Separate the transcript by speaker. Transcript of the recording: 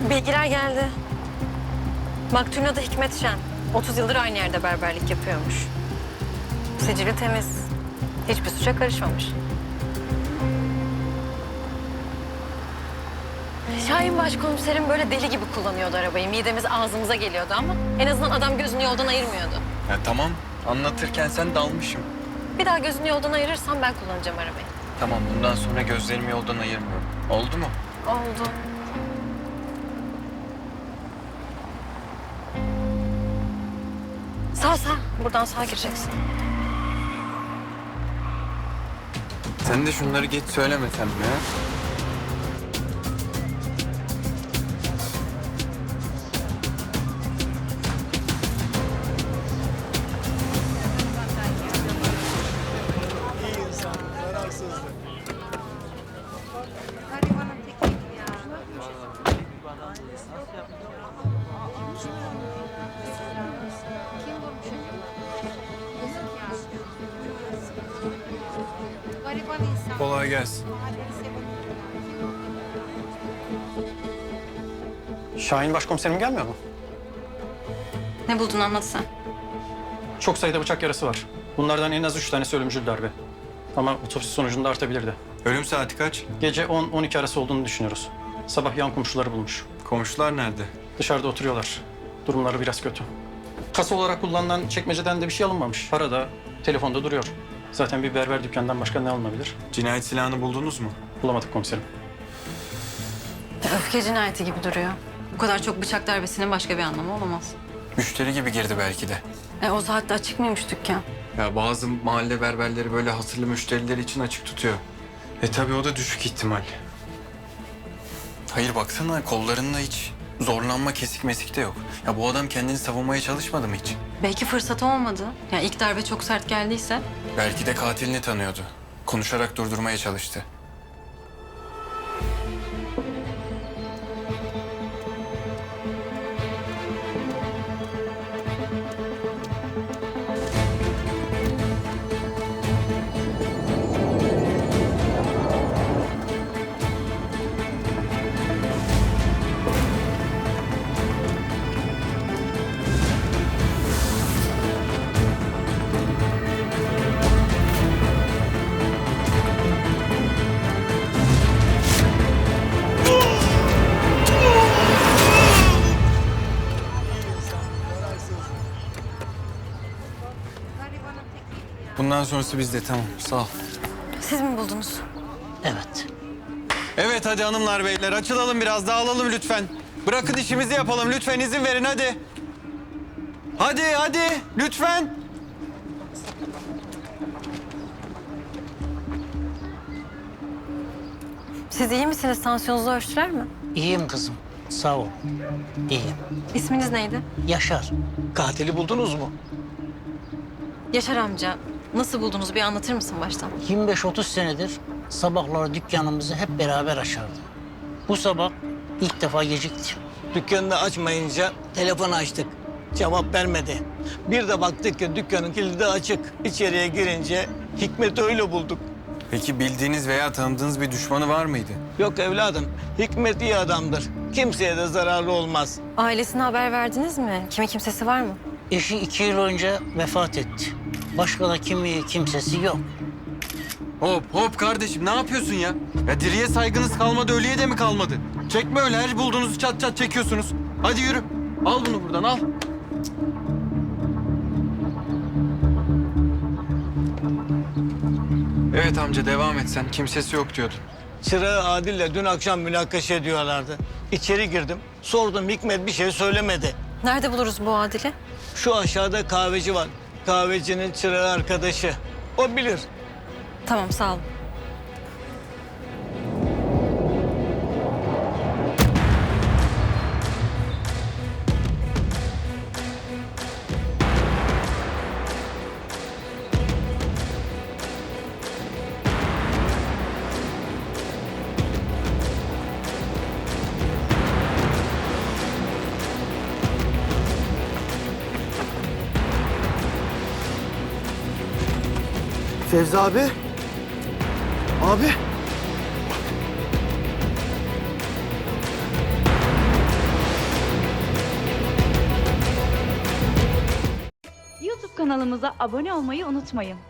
Speaker 1: Bilgiler geldi. Maktulün adı Hikmet Şen. 30 yıldır aynı yerde berberlik yapıyormuş. Sicili temiz. Hiçbir suça karışmamış. Şahin başkomiserim böyle deli gibi kullanıyordu arabayı. Midemiz ağzımıza geliyordu ama en azından adam gözünü yoldan ayırmıyordu.
Speaker 2: Ya tamam, anlatırken sen dalmışım.
Speaker 1: Bir daha gözünü yoldan ayırırsam ben kullanacağım arabayı.
Speaker 2: Tamam, bundan sonra gözlerimi yoldan ayırmıyorum. Oldu mu?
Speaker 1: Oldu. Sağ. Buradan sağa gireceksin.
Speaker 2: Sen de şunları geç söylemesen mi ya?
Speaker 3: Gariban insan.
Speaker 2: Kolay gelsin.
Speaker 4: Şahin başkomiserim gelmiyor mu?
Speaker 1: Ne buldun anlat sen.
Speaker 4: Çok sayıda bıçak yarası var. Bunlardan en az 3 tanesi ölümcül darbe. Ama otopsi sonucunda artabilirdi.
Speaker 2: Ölüm saati kaç?
Speaker 4: Gece 10-12 arası olduğunu düşünüyoruz. Sabah yan komşuları bulmuş.
Speaker 2: Komşular nerede?
Speaker 4: Dışarıda oturuyorlar. Durumları biraz kötü. Kasa olarak kullanılan çekmeceden de bir şey alınmamış. Para da telefonda duruyor. Zaten bir berber dükkanından başka ne alınabilir?
Speaker 2: Cinayet silahını buldunuz mu?
Speaker 4: Bulamadık komiserim.
Speaker 1: Öfke cinayeti gibi duruyor. Bu kadar çok bıçak darbesinin başka bir anlamı olamaz.
Speaker 2: Müşteri gibi girdi belki de.
Speaker 1: O saatte açık mıymış dükkan?
Speaker 2: Ya bazı mahalle berberleri böyle hatırlı müşterileri için açık tutuyor. Tabii o da düşük ihtimal. Hayır baksana kollarında hiç zorlanma, kesik mesik de yok. Ya bu adam kendini savunmaya çalışmadı mı hiç?
Speaker 1: Belki fırsatı olmadı. Yani ilk darbe çok sert geldiyse.
Speaker 2: Belki de katilini tanıyordu. Konuşarak durdurmaya çalıştı.
Speaker 3: Garibanın tekiydi ya.
Speaker 2: Bundan sonrası bizde, tamam. Sağ ol.
Speaker 1: Siz mi buldunuz?
Speaker 5: Evet.
Speaker 2: Evet hadi hanımlar beyler açılalım biraz dağılalım lütfen. Bırakın işimizi yapalım lütfen izin verin hadi. Hadi lütfen.
Speaker 1: Siz iyi misiniz? Tansiyonunuzu ölçtüler mi?
Speaker 5: İyiyim kızım. Sağ ol. İyiyim.
Speaker 1: İsminiz neydi?
Speaker 5: Yaşar.
Speaker 6: Katili buldunuz mu?
Speaker 1: Yaşar amca. Nasıl buldunuz? Bir anlatır mısın baştan?
Speaker 5: 25-30 senedir sabahları dükkanımızı hep beraber açardı. Bu sabah ilk defa gecikti.
Speaker 6: Dükkanını açmayınca telefon açtık. Cevap vermedi. Bir de baktık ki dükkanın kilidi açık. İçeriye girince Hikmet'i öyle bulduk.
Speaker 2: Peki bildiğiniz veya tanıdığınız bir düşmanı var mıydı?
Speaker 6: Yok evladım, Hikmet iyi adamdır. Kimseye de zararlı olmaz.
Speaker 1: Ailesine haber verdiniz mi? Kimi kimsesi var mı?
Speaker 5: Eşi 2 yıl önce vefat etti. Başka da kimsesi yok.
Speaker 2: Hop kardeşim ne yapıyorsun ya? Ya diriye saygınız kalmadı ölüye de mi kalmadı? Çekme öyle her bulduğunuzu çat çat çekiyorsunuz. Hadi yürü. Al bunu buradan al. Evet amca devam et sen. Kimsesi yok diyordun.
Speaker 6: Çırağı Adil'le dün akşam münakaşa ediyorlardı. İçeri girdim, sordum Hikmet bir şey söylemedi.
Speaker 1: Nerede buluruz bu Adil'i?
Speaker 6: Şu aşağıda kahveci var. Kahvecinin çırağı arkadaşı. O bilir.
Speaker 1: Tamam sağ olun.
Speaker 7: Fevzi abi. Abi. kanalımıza abone olmayı unutmayın.